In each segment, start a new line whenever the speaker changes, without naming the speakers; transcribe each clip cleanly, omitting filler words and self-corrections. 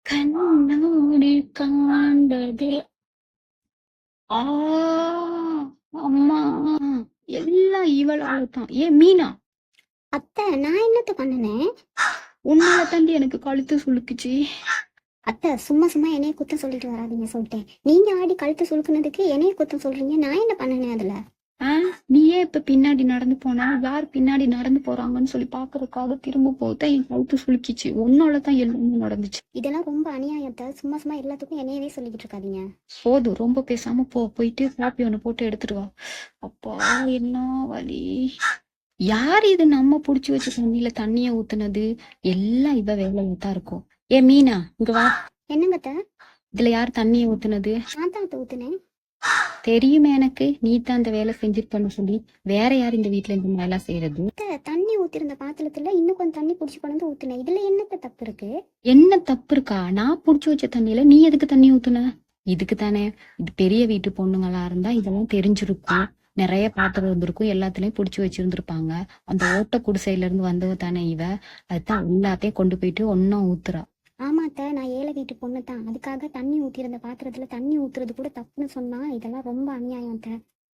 கண்ணாடி காண்பது ஆ அம்மா எல்லாம் இவளால தான். ஏன் மீனா,
அத்தை, நான் என்னத்த பண்ணுனேன்?
உன்னால தாண்டி எனக்கு கழுத்து சுளுக்குச்சு.
அத்தை, சும்மா சும்மா என்னைய குத்தம் சொல்லிட்டு வராதீங்க சொல்லிட்டேன். நீங்க ஆடி கழுத்து சுழுக்குனதுக்கு என்னைய குத்தம் சொல்றீங்க. நான் என்ன பண்ணுனேன் அதுல?
நீ ஏன் இப்ப பின்னாடி நடந்து போனா? யார் பின்னாடி நடந்து போறாங்கன்னு சொல்லி பாக்குறதுக்காக திரும்ப போதான் என் கழுத்து சுளுக்கிச்சு. உன்னால தான் எல்லாமே நடந்துச்சு.
இதெல்லாம் ரொம்ப அநியாயத்தை. சும்மா சும்மா எல்லாத்துக்கும் என்னையவே சொல்லிக்கிட்டு இருக்காதீங்க.
போதும், ரொம்ப பேசாம போயிட்டு காப்பி ஒண்ணு போட்டு எடுத்துட்டு வா. அப்பா என்ன வலி. யார் இது நம்ம புடிச்சு வச்ச தண்ணியில தண்ணிய ஊத்துனது? எல்லாம் இவ வேலையா தான் இருக்கும். ஏ மீனா, இங்க வா.
என்னங்க அத்தை?
இதுல யார் தண்ணிய ஊத்துனது?
நான் தான் அத்தை ஊத்துனேன்.
தெரியுமே எனக்கு, நீ தான் அந்த வேலை செஞ்சிருப்பன்னு சொல்லி. வேற யார் இந்த வீட்டுல இந்த மாதிரி எல்லாம் செய்யறது?
அத்தை, தண்ணி ஊத்திருந்த பாத்திரத்துல இன்னும் கொஞ்சம் தண்ணி புடிச்சு கொண்டு ஊத்துனேன். இதுல என்னத்த தப்பு இருக்கு?
என்ன தப்பு இருக்கா? நான் புடிச்சு வச்ச தண்ணியில நீ எதுக்கு தண்ணி ஊத்துன? இதுக்கு தானே. இது பெரிய வீட்டு பொண்ணுங்களா இருந்தா இதெல்லாம் தெரிஞ்சிருக்கும். நிறைய பாத்திரம் இருந்திருக்கும், எல்லாத்துலயும் புடிச்சு வச்சிருந்திருப்பாங்க. அந்த ஓட்ட குடிசையில இருந்து வந்தவ தானே இவ. அதுதான் எல்லாத்தையும் கொண்டு போயிட்டு ஒன்னும் ஊத்துறா.
ஆமா அத்தை, நான் ஏழை வீட்டு பொண்ணு தான். அதுக்காக தண்ணி ஊத்திருந்த பாத்திரத்துல தண்ணி ஊத்துறது கூட தப்புன்னு சொன்னா இதெல்லாம் ரொம்ப அநியாயம் அத்தை.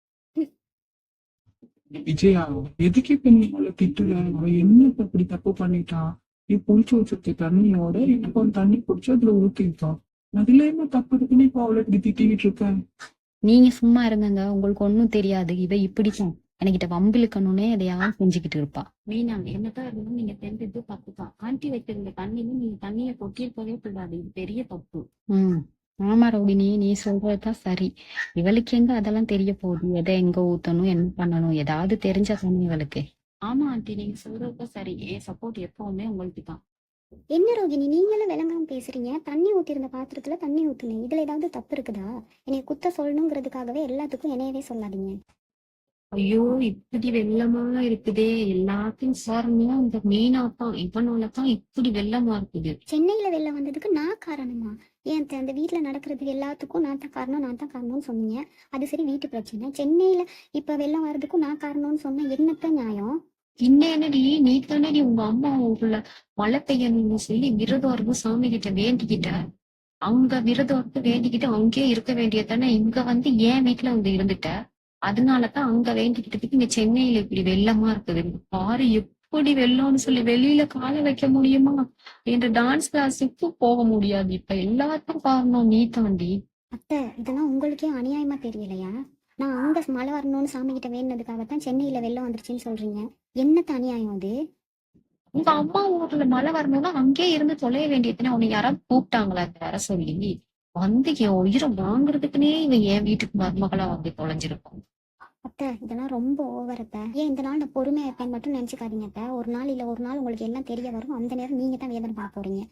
விஜயா, எதுக்கு இப்ப நீ அவளை திட்டுற? அவ என்ன இப்ப இப்படி தப்பு பண்ணிட்டான்? நீ புடிச்சு வச்சிருக்க தண்ணியோட இப்போ தண்ணி புடிச்சு அதுல ஊத்திருக்கான். அதுல என்ன தப்பு இருக்குன்னு இப்ப அவளை இப்படி திட்டிக்கிட்டு இருக்க?
நீங்க சும்மா இருங்கங்க, உங்களுக்கு ஒண்ணும் தெரியாது. இவ இப்படித்தான் என்கிட்ட வம்பிழுக்கணும்னே எதையாவது செஞ்சுக்கிட்டு இருப்பா. மீனா, என்னதான் இருந்தாலும் நீங்க தெரிஞ்சது தப்பு தான். ஆண்டி வைத்திருந்த தண்ணியும் நீங்க தண்ணியை கொட்டியிருக்கவே கூடாது. இது பெரிய தப்பு. ஆமா ரோகிணி, நீ சொல்றதுதான் சரி. இவளுக்கு எங்க அதெல்லாம் தெரிய போகுது? எதை எங்க ஊத்தணும், என்ன பண்ணணும், ஏதாவது தெரிஞ்சா தானே இவளுக்கு. ஆமா ஆண்டி, நீங்க சொல்றதுதான் சரி. என் சப்போர்ட் எப்பவுமே உங்களுக்கு தான்.
என்ன ரோகிணி, நீங்களும் விளங்காம பேசுறீங்க? தண்ணி ஊத்திருந்த பாத்திரத்துல தண்ணி ஊத்துனேன். இதுல ஏதாவது தப்பு இருக்குதா? என்னைய குத்த சொல்லணுங்கிறதுக்காகவே எல்லாத்துக்கும் என்னையவே சொல்லாதீங்க.
ஐயோ, இப்படி வெள்ளமா இருக்குதே. எல்லாத்தையும் காரணம் இந்த மீனாத்தான். இவனாலதான் இப்படி வெள்ளமா இருக்குது.
சென்னையில வெள்ளம் வந்ததுக்கு நான் காரணமா? ஏன் அந்த வீட்டுல நடக்கிறதுக்கு எல்லாத்துக்கும் நான் தான் காரணம்னு சொன்னீங்க. அது சரி, வீட்டு பிரச்சனை. சென்னையில இப்ப வெள்ளம் வர்றதுக்கும் நான் காரணம்னு சொன்ன என்னத்த நியாயம்?
என்னடி, நீ தானடி உங்க அம்மா ஊர்ல மழை பெய்யணும்னு சொல்லி விரதம் இருந்து சாமி கிட்ட வேண்டிக்கிட்ட. அங்க விரதம் இருந்து வேண்டிக்கிட்டு அங்கேயே இருக்க வேண்டியதானே. இங்க வந்து ஏன் வீட்டுல வந்து இருந்துட்ட. அதனாலதான் அங்க வேண்டிக்கிட்டதுக்கு இங்க சென்னையில இப்படி வெள்ளமா இருக்குது. பாரு எப்படி வெள்ளம்னு சொல்லி வெளியில கால வைக்க முடியுமா? என்று டான்ஸ் கிளாஸுக்கு போக முடியாது. இப்ப எல்லாத்துக்கும் காரணம் நீ தாண்டி.
அத்தை, இதெல்லாம் உங்களுக்கே அநியாயமா தெரியலையா? நான் அங்க மழை வரணும்னு சாமி கிட்ட வேணுனதுக்காகத்தான் சென்னையில வெள்ளம் வந்துருச்சுன்னு சொல்றீங்க. என்னத்த அநியாயம் அது?
உங்க அம்மா ஊர்ல மழை வரணும்னா அங்கே இருந்து தொலைய வேண்டியதுன்னு உன்னை யாராவது கூப்பிட்டாங்களா வர சொல்லி? வந்து என் உயிரை வாங்குறதுக்குன்னே இவன் என் வீட்டுக்கு மருமகளா வந்து தொலைஞ்சிருப்பான்.
அத்தை, இதெல்லாம் ரொம்ப ஓவர் அத்தை. ஏன் இந்த நாள் நான் பொறுமையா இருப்பேன் மட்டும் நினைச்சுக்காதீங்க அத்தை. ஒரு நாள் இல்ல ஒரு நாள் உங்களுக்கு எல்லாம் தெரிய வரும். அந்த நேரம் நீங்க தான் வேதனை பார்க்க போறீங்க.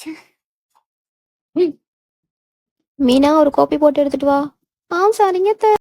மீனா, ஒரு காப்பி போட்டு எடுத்துட்டு வா. சரிங்க.